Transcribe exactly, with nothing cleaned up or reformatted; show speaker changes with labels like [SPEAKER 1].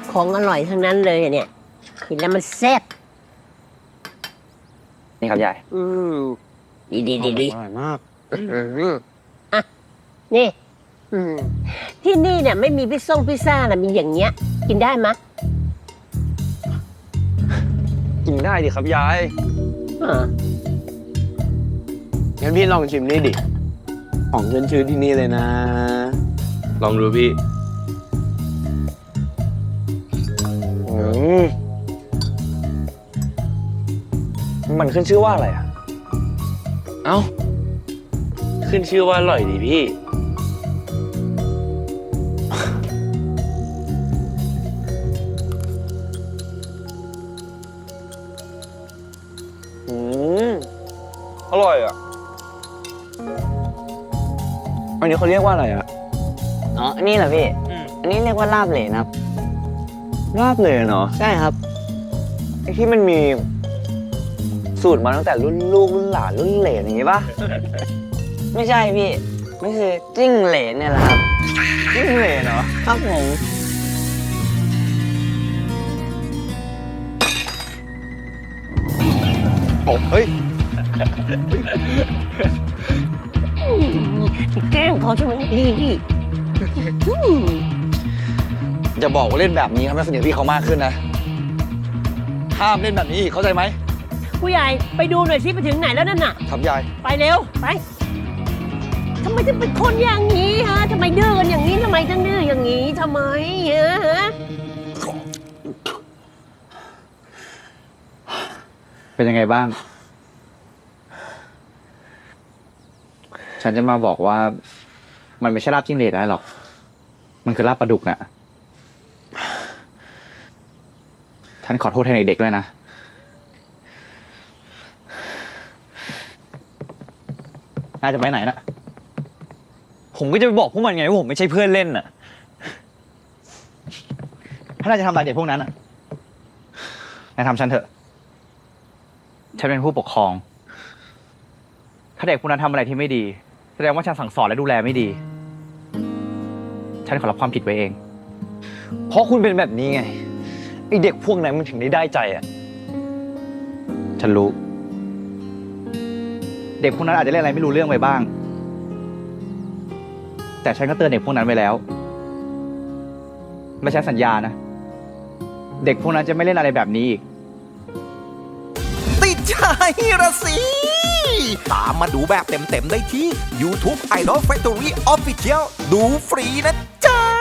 [SPEAKER 1] ของอร่อยทั้งนั้นเลยอะเนี่ยกินแล้วมันแซ่บ
[SPEAKER 2] นี่ครับยาย
[SPEAKER 1] อืมดีดีดีดี
[SPEAKER 3] อร่อยมาก
[SPEAKER 1] อ่ะนี่อืมที่นี่เนี่ยไม่มีพิซซ่งพิซซ่านะมีอย่างเงี้ย กินได้มะ
[SPEAKER 2] กินได้ดิครับยาย
[SPEAKER 1] อ่า
[SPEAKER 3] งั้นพี่ลองชิมนี่ดิ ของขึ้นชื่อที่นี่เลยนะ
[SPEAKER 4] ลองดูพี่
[SPEAKER 2] อืมมันขึ้นชื่อว่าอะไรอ่ะ
[SPEAKER 4] เอ้า ขึ้นชื่อว่าอร่อยดีพี่
[SPEAKER 2] อืมอร่อยอ่ะ อันนี้เขาเรียกว่าอะไรอ่ะ
[SPEAKER 5] อ๋อ อันนี้เหรอพี่ อันนี้เรียกว่าลาบเหลนครับ
[SPEAKER 2] ลาบเลยเนาะ
[SPEAKER 5] ใช่ครับ
[SPEAKER 2] ไอ้ที่มันมีสูตรมาตั้งแต่รุ่นลูกรุ่นหลานรุ่นเหลนอย่างงี้ป่ะ
[SPEAKER 5] ไม่ใช่พี่ไม่คือจิ้งเหลนเนี่ยแหละครับ
[SPEAKER 2] รุ่นเหลนเนาะ
[SPEAKER 5] ครับผม
[SPEAKER 2] โอ้เฮ้ย
[SPEAKER 1] แกล้งเขาใช่ไหมดีดีอืม
[SPEAKER 2] อย่าบอกว่าเล่นแบบนี้ทำให้สนิทพี่เขามากขึ้นนะ ห้ามเล่นแบบนี้อีกเข้าใจไหม
[SPEAKER 1] ผู้ใหญ่ไปดูหน่อยสิไปถึงไหนแล้วนั่นน่ะ
[SPEAKER 2] ครับยาย
[SPEAKER 1] ไปเร็ว ไปทำไมถึงเป็นคนอย่างนี้ฮะทำไมดื้อกันอย่างนี้ทำไมถึงดื้ออย่างนี้ทำไมฮะฮะ
[SPEAKER 3] เป็นยังไงบ้าง ฉันจะมาบอกว่า มันไม่ใช่ลาบจิ้งเหลนได้หรอก มันคือลาบปลาดุกน่ะ ฉันขอโทษแทนเด็กๆด้วยนะ น่าจะไปไหนนะ
[SPEAKER 2] ผมก็จะไปบอกพวกมันไงว่าผมไม่ใช่เพื่อนเล่นน่ะ
[SPEAKER 3] ถ้าน่าจะทำอะไรเด็กพวกนั้นอ่ะนายทำฉันเถอะ ฉันเป็นผู้ปกครอง ถ้าเด็กพวกนั้นทำอะไรที่ไม่ดี แสดงว่าฉันสั่งสอนและดูแลไม่ดี ฉันขอรับความผิดไว้เอง
[SPEAKER 2] เพราะคุณเป็นแบบนี้ไง ไอเด็กพวกนั้นมันถึงได้ได้ใจอ่ะ
[SPEAKER 3] ฉันรู้ เด็กพวกนั้นอาจจะเล่นอะไรไม่รู้เรื่องไปบ้าง แต่ฉันก็เตือนเด็กพวกนั้นไว้แล้ว และฉันสัญญานะ เด็กพวกนั้นจะไม่เล่นอะไรแบบนี้อีก
[SPEAKER 6] ติดใจระสิ ตามมาดูแบบเต็มๆได้ที่ YouTube Idol Factory Official ดูฟรีนะจ๊ะ